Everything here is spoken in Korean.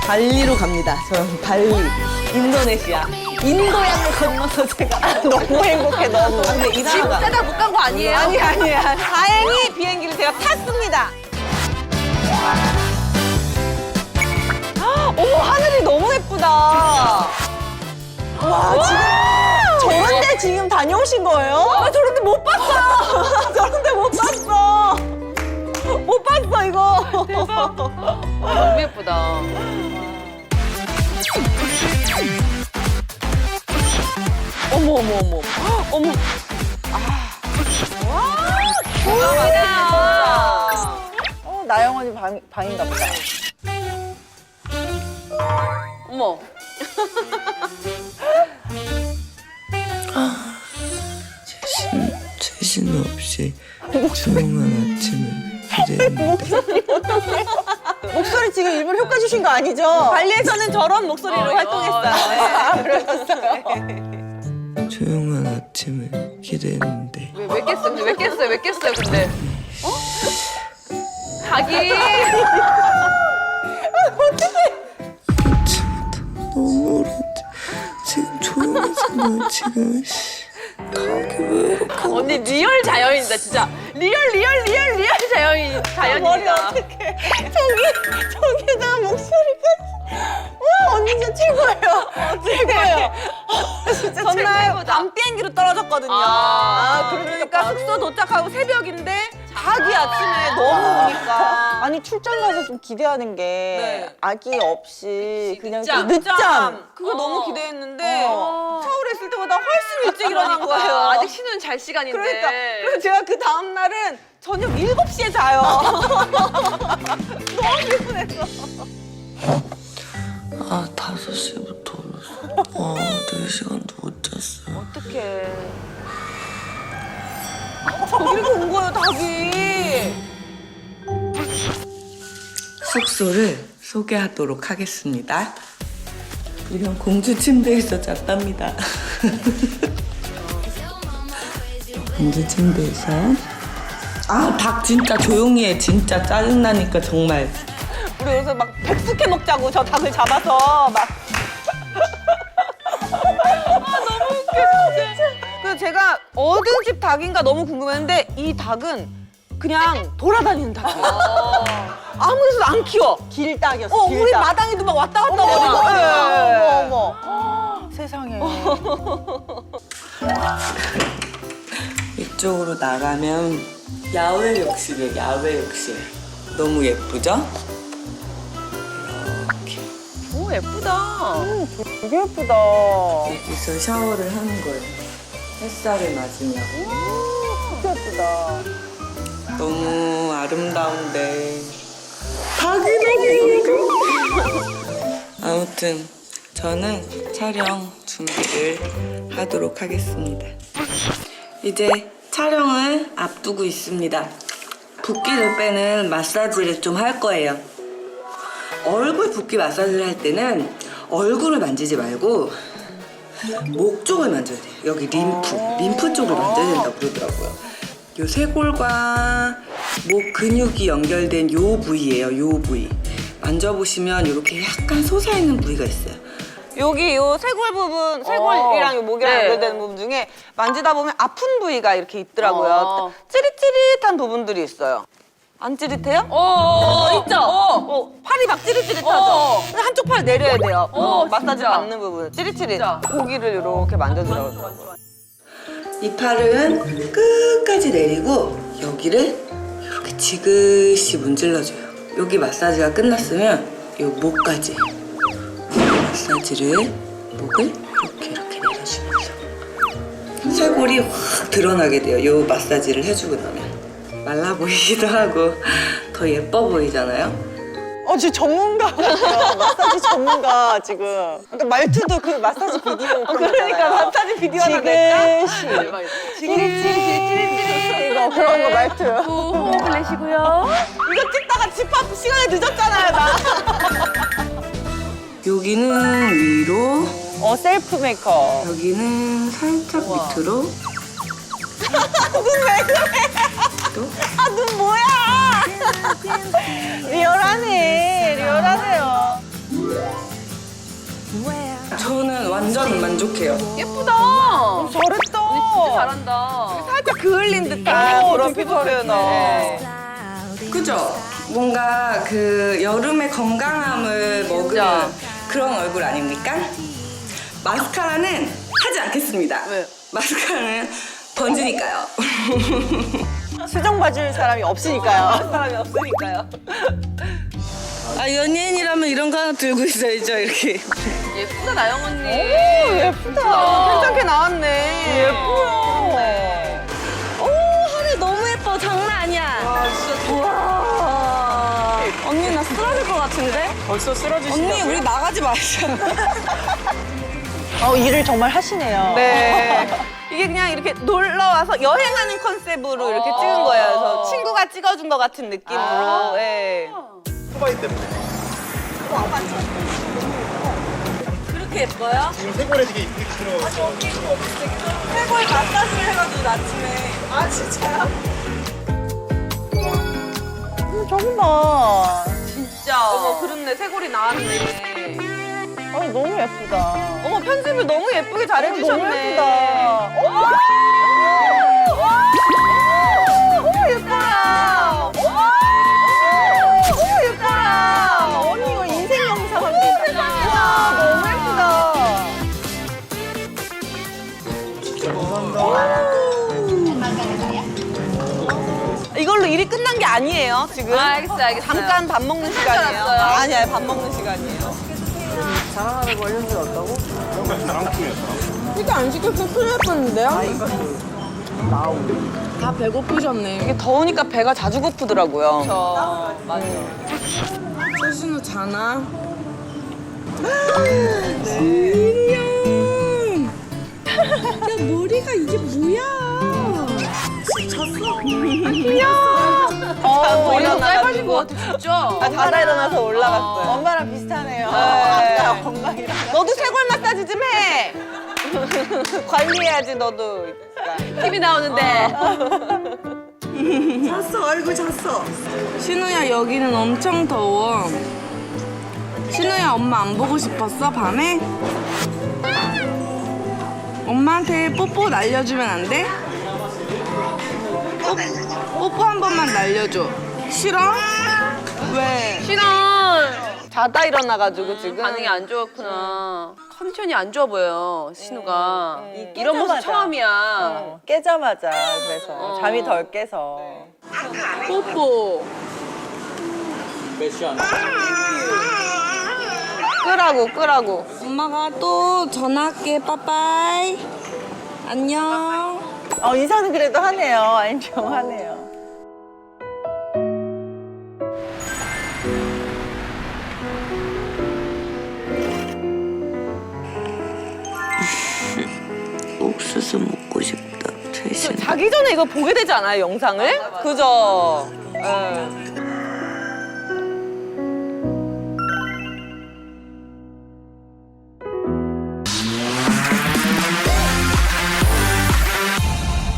발리로 갑니다. 저는 발리, 인도네시아. 인도양을 건너서 제가 너무 행복해, 너무. 근데 이 지금 나라가. 세다 못 간 거 아니에요? 아니야. 다행히 비행기를 제가 탔습니다. 어머, 하늘이 너무 예쁘다. 와, 지금 저런데 지금 다녀오신 거예요? 나 저런데 못 봤어요. 저런데 못 봤어. 못 봤어, 이거. 대박. 너무 예쁘다. 어머. 어머. 대박이다. 나영 언니 방인가 보다. 어머. 최신 없이 조용한 아침을 기대했는데 목소리 지금 일부러 효과 주신 거 아니죠? 발리에서는 저런 목소리로 활동했어요. 그러셨어요. 조용한 아침을 기대했는데 왜 깼어요? 왜 깼어요? 근데. 어? 닭이. 아침부터 너무 오랜데 지금 조용하잖아 지금 닭이 왜 이렇게 언니 리얼 자연이다 진짜. 리얼 자연이다. 머리 어떡해. 저기다가 목소리까지. 와, 언니 진짜 최고예요. 최고예요. 진짜 전날 최고다. 밤 비행기로 떨어졌거든요. 그러니까 숙소 도착하고 새벽인데 닭이 아침에 너무 오니까. 아니, 출장 가서 좀 기대하는 게 네. 아기 없이 그냥 늦잠. 그 늦잠. 그거 어. 너무 기대했는데 어. 서울에 있을 때보다 훨씬 일찍 일어난 거예요. 아직 쉬는 잘 시간인데. 그러니까. 그래서 제가 그 다음 날은 저녁 7시에 자요. 너무 피곤했어. 아 5시부터 울었어 4시간도 못 잤어 어떡해. 저기로 온 거예요, 닭이. 숙소를 소개하도록 하겠습니다 이런 공주 침대에서 잤답니다 공주 침대에서 닭 진짜 조용히 해 진짜 짜증나니까 정말 우리 여기서 막 백숙해 먹자고 저 닭을 잡아서 막. 너무 웃겨 진짜. 그래서 제가 어느 집 닭인가 너무 궁금했는데 이 닭은 그냥 돌아다니는 닭이에요. 아무 데서도 안 키워. 길닭이었어. 우리 마당에도 막 왔다 갔다 거리고. 어머. 세상에. 이쪽으로 나가면 야외 욕실이에요 야외 욕실 너무 예쁘죠? 이렇게 오 예쁘다. 되게 예쁘다. 여기서 샤워를 하는 거예요 햇살을 맞으냐고 되게 예쁘다. 너무 아름다운데 닭이 너무 예뻐 아무튼 저는 촬영 준비를 하도록 하겠습니다 이제 촬영을 앞두고 있습니다 붓기를 빼는 마사지를 좀 할 거예요 얼굴 붓기 마사지를 할 때는 얼굴을 만지지 말고 목 쪽을 만져야 돼요 여기 림프 쪽을 만져야 된다고 그러더라고요 요 쇄골과 목 근육이 연결된 요 부위예요 요 부위 만져보시면 이렇게 약간 솟아있는 부위가 있어요 여기 요 쇄골 부분, 쇄골이랑 요 목이랑 네. 연결되는 부분 중에 만지다 보면 아픈 부위가 이렇게 있더라고요. 어. 찌릿찌릿한 부분들이 있어요. 안 찌릿해요? 있죠? 팔이 막 찌릿찌릿하죠? 근데 한쪽 팔 내려야 돼요. 마사지 진짜. 받는 부분. 찌릿찌릿. 진짜. 고기를 이렇게 만져주라고 그러더라고요. 이 팔은 끝까지 내리고 여기를 이렇게 지그시 문질러줘요 여기 마사지가 끝났으면 이 목까지 마사지를 목을 이렇게 내려주면서 쇄골이 확 드러나게 돼요 이 마사지를 해주고 나면 말라 보이기도 하고 더 예뻐 보이잖아요 진짜 전문가 같아요. 마사지 전문가 지금. 그러니까 말투도 그 마사지 비디오 그러니까 마사지 비디오 하나 낼까? 찌릿찌릿 이거 그런 거 말투. 호흡을 내쉬고요. 이거 찍다가 집합 시간에 늦었잖아요, 나. 여기는 위로 셀프 메이크업. 여기는 살짝 밑으로 눈 왜 그래? 또 눈 뭐야? 리얼하네. 리얼하네요. 만족해요. 예쁘다. 잘했다. 언니 진짜 잘한다. 살짝 그을린 듯한 그런 피부 표현을. 그죠? 뭔가 그 여름의 건강함을 먹으는 진짜. 그런 얼굴 아닙니까? 마스카라는 하지 않겠습니다. 왜? 마스카라는 번지니까요. 수정 봐줄 사람이 없으니까요. 사람이 없으니까요. 아, 연예인이라면 이런 거 하나 들고 있어야죠, 이렇게. 예쁘다 나영 언니. 예쁘다. 괜찮게 나왔네. 예뻐요. 오, 하늘 너무 예뻐. 장난 아니야. 아 진짜 우와. 언니, 나 쓰러질 것 같은데? 벌써 쓰러지시다고요? 언니, 우리 나가지 마자. 일을 정말 하시네요. 네. 이게 그냥 이렇게 놀러 와서 여행하는 컨셉으로 이렇게 찍은 거예요. 그래서 친구가 찍어준 것 같은 느낌으로. 예. 소바이 때문에. 그렇게 예뻐요? 지금 세골에 되게 이쁘게 들어가서. 최고의 마사지를 해가지고 아침에. 아, 진짜요? 저거 봐. 진짜. 어머, 그렇네. 쇄골이 나왔네. 너무 예쁘다. 어머, 편집을 너무 예쁘게 잘해주셨네. 너무 예쁘다. 어머, 예뻐라. 어머, 예뻐라. 언니 이거 인생 영상인데. 와, 너무 예쁘다. 이걸로 일이 끝난 게 아니에요, 지금. 알겠어요, 알겠어요. 잠깐 밥 먹는 시간이에요. 알았어요. 아니야, 밥 먹는 시간이에요. 이게 안 시켰으면 큰일 날 뻔했는데요? 다 배고프셨네. 이게 더우니까 배가 자주 고프더라고요. 저 맞아. 최신우 자나? 머리가 일어나가지고. 짧아진 것 같아 진짜. 자다 일어나서 올라갔어요. 엄마랑 비슷하네요. 네. 아까 건강이랑. 너도 쇄골 마사지 좀 해. 관리해야지 너도. TV 나오는데. 잤어, 아이고, 잤어. 신우야, 여기는 엄청 더워. 신우야, 엄마 안 보고 싶었어, 밤에? 엄마한테 뽀뽀 날려주면 안 돼? 뽀뽀 한 번만 날려줘. 싫어? 왜? 신원. 자다 일어나가지고 지금. 반응이 안 좋았구나. 컨디션이 안 좋아 보여 신우가. 이런 모습 깨자마자. 처음이야. 깨자마자 그래서 잠이 덜 깨서. 뽀뽀. 끄라고. 엄마가 또 전화할게, 빠빠이. 안녕. 인사는 그래도 하네요. 인정하네요. 옥수수 먹고 싶다, 최신. 자기 전에 이거 보게 되지 않아요, 영상을? 그죠? 예.